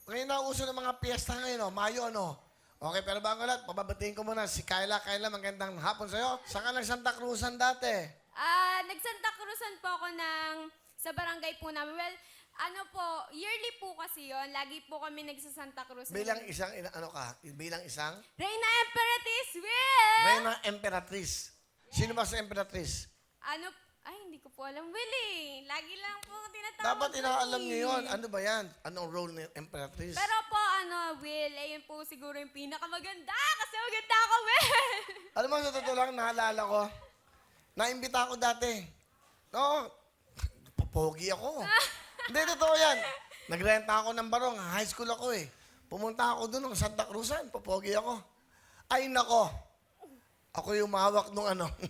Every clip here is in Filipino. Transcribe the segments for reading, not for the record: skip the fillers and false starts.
ngayon na uso ng mga piyesta ngayon, Mayo, no? Okay, pero bago lahat, pababatiin ko muna si Kyla. Kyla, magandang hapon sa'yo. Saan ka nag-Santa Cruzan dati? Nag-Santa Cruzan po ako sa barangay po namin. Well, yearly po kasi yon. Lagi po kami nagsa-Santa Cruzan. Bilang isang, bilang isang? Reyna Emperatriz Will! Reyna Emperatriz. Sino ba sa Emperatriz? Hindi ko po alam, Will eh. Lagi lang po tinatawag. Dapat inaalam niyo yun. Ano ba yan? Anong role ni Emperatriz? Pero po, Will, ayun po siguro yung pinakamaganda. Kasi maganda ako, Will! Alam mo, sa totoo lang, naalala ko. Naimbita ako dati. No, papogi ako. Hindi, totoo yan. Nagrenta ako ng barong. High school ako eh. Pumunta ako doon ng Santa Cruzan. Papogi ako. Ay, nako. Ako yung mahawak nung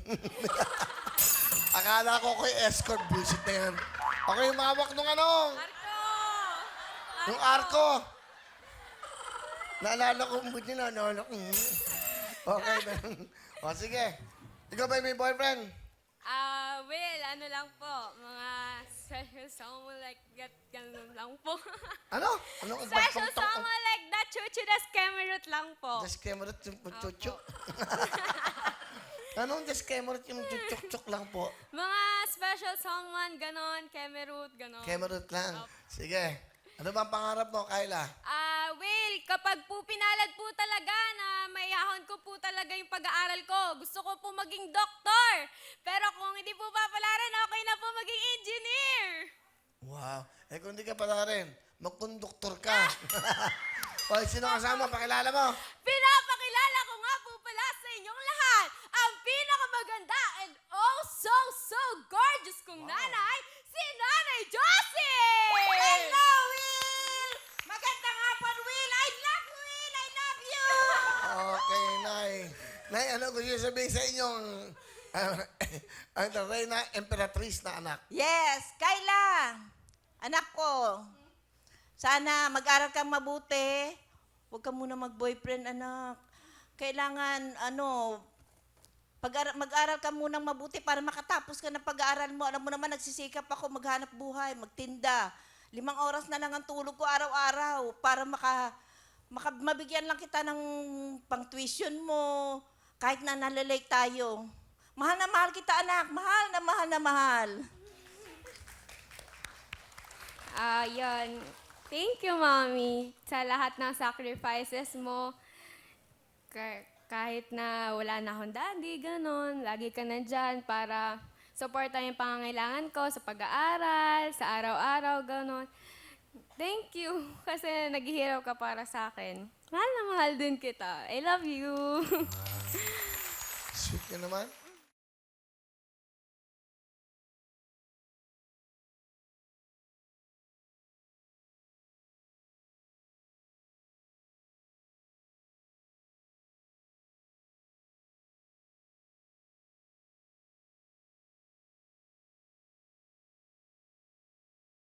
Akala ko yung escort bullshit na yan. Ako yung mahawak nung Arco! Yung arko. Naalala ko, buti na, naalala ko. Okay, o sige. Ikaw ba may boyfriend? Will, lang po. Mga special song like that, ganun lang po. Ano? Special song like that, chuchu das kemerut lang po. Just kemerut yung chuchuk. Anong just kemerut yung chuchuk lang po? Mga special song man, ganon, kemerut, ganon. Kemerut lang. Sige. Ano ba ang pangarap mo, Kyla? Will, kapag po pinalad po talaga na maihahon ko po talaga yung pag-aaral ko, gusto ko po maging doktor. Pero kung hindi po papalaran, okay na po maging engineer. Wow. Eh kung hindi ka pala rin, magkonduktor ka. O, sino kasama? Pakilala mo. Pinapakilala ko nga po pala sa inyong lahat ang pinakamaganda and oh so gorgeous kong nanay, si Nanay Josie! Hello, Will! Magandang hapon, Will! I love you, Will! I love you! Okay, Nay. Nay, ano gusto niyo sabihin sa inyong ang Reyna Emperatriz na anak? Yes, Kyla! Anak ko, sana mag-aral kang mabuti. Huwag ka muna mag-boyfriend, anak. Kailangan, mag-aral ka munang mabuti para makatapos ka ng pag-aaral mo. Alam mo naman, nagsisikap ako maghanap buhay, magtinda. 5 oras na lang ang tulog ko araw-araw para mabigyan lang kita ng pang-tuition mo. Kahit na nalalake tayo. Mahal na mahal kita, anak. Mahal na mahal na mahal. Yun. Thank you, Mommy, sa lahat ng sacrifices mo. Kahit na wala na akong daddy, ganon, lagi ka nandyan para supportan yung pangangailangan ko sa pag-aaral, sa araw-araw, ganon. Thank you, kasi naghihirap ka para sa akin. Mahal na mahal din kita. I love you. Sweet ka naman.